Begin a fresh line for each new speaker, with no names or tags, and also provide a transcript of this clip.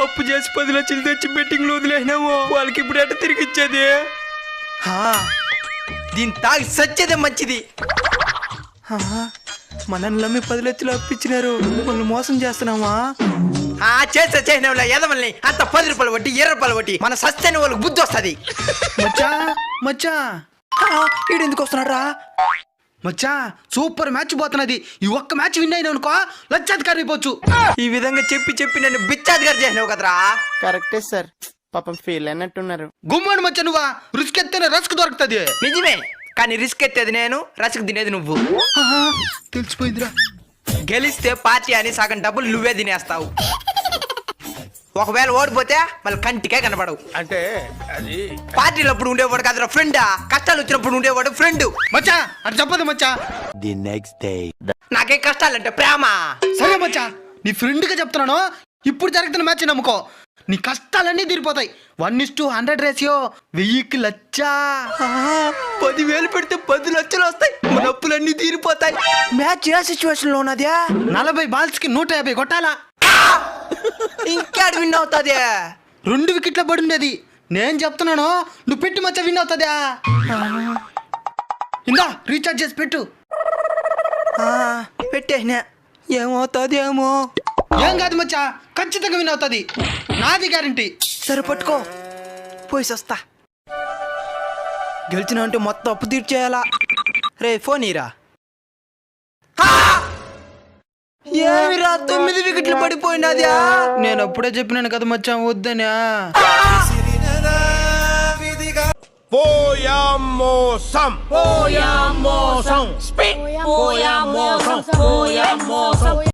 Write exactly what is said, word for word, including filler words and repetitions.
అప్పు చేసి పది లక్షలు తెచ్చి బెట్టింగ్ లో వదిలేసినాము. వాళ్ళకి ఇప్పుడు ఎట్ట తిరిగి ఇచ్చేది? దీని తాగి సచ్చేదే మంచిది. మనల్ని నమ్మి పది లక్షలు అప్పించినారు, వాళ్ళు మోసం చేస్తున్నామా? చేస్తా చేసినా ఎదమల్ని అంత పది రూపాయలు వడ్డీ ఇరవై రూపాయలు వడ్డీ మన సస్తైన వాళ్ళకి బుద్ధి వస్తుంది.
మచ్చా మచ్చా ఈడు ఎందుకు వస్తున్నారా? మచ్చా సూపర్ మ్యాచ్ పోతున్నది. ఈ ఒక్క మ్యాచ్ విన్ అయినా అనుకో లక్షాధికారి అయిపోవచ్చు.
ఈ విధంగా చెప్పి చెప్పి నన్ను బిచ్చాధికారి చేసినావు కదరా.
కరెక్టే సార్, పాపం ఫీల్ అన్నట్టున్నారు.
గుమ్మడి మచ్చ నువ్వా రిస్క్ ఎత్తేనే రస్క్ దొరుకుతుంది.
నిజమే, కానీ రిస్క్ ఎత్తేది నేను, రస్క్ తినేది నువ్వు.
తెలిసిపోయిందిరా.
గెలిస్తే పార్టీ అని సగం డబ్బులు నువ్వే తినేస్తావు. ఒకవేళ ఓడిపోతే మళ్ళీ కంటికే కనపడవు.
అంటే అది
పార్టీలో అప్పుడు ఉండేవాడు కదరా ఫ్రెండా, కష్టాలు వచ్చినప్పుడు ఉండేవాడు ఫ్రెండ్.
మచ్చా అది చెప్పదు మచ్చా.
The next day.
నాకే కష్టాలంటే ప్రేమ.
సరే మచ్చా, నీ ఫ్రెండ్ గా చెప్తున్నాను. ఇప్పుడు జరుగుతున్న మ్యాచ్ నమ్ముకో, నీ కష్టాలన్నీ తీరిపోతాయి. One is to hundred ratio, వెయ్యికి లచ్చా.
పదివేలు పెడితే పది లక్షలు వస్తాయి, మన అప్పులన్నీ తీరిపోతాయి. మ్యాచ్ ఏ సిచ్యువేషన్ లో ఉన్నదే?
నలభై బాల్స్ కి నూట యాభై కొట్టాలా.
ఇంకేడు విన్ అవుతుంది.
రెండు వికెట్ల పడి ఉండేది. నేను చెప్తున్నాను, నువ్వు పెట్టి మచ్చా విన్ అవుతుందా. ఇందా రీఛార్జ్ చేసి పెట్టు.
పెట్టేసినా, ఏమవుతుంది ఏమో.
ఏం కాదు మచ్చా, ఖచ్చితంగా విన్ అవుతుంది, నాది గ్యారంటీ.
సరే పట్టుకో, పోయి వస్తా. గెలిచిన అంటే మొత్తం అప్పు తీర్చేయాలా. రే ఫోన్ ఇరా. ఏమిరా తొమ్మిది వికెట్లు పడిపోయినదా?
నేను అప్పుడే చెప్పినాను కదా మచ్చా వద్దనా.
పోయా మోసం పోయా మోసం పోయా మోసం పోయా మోసం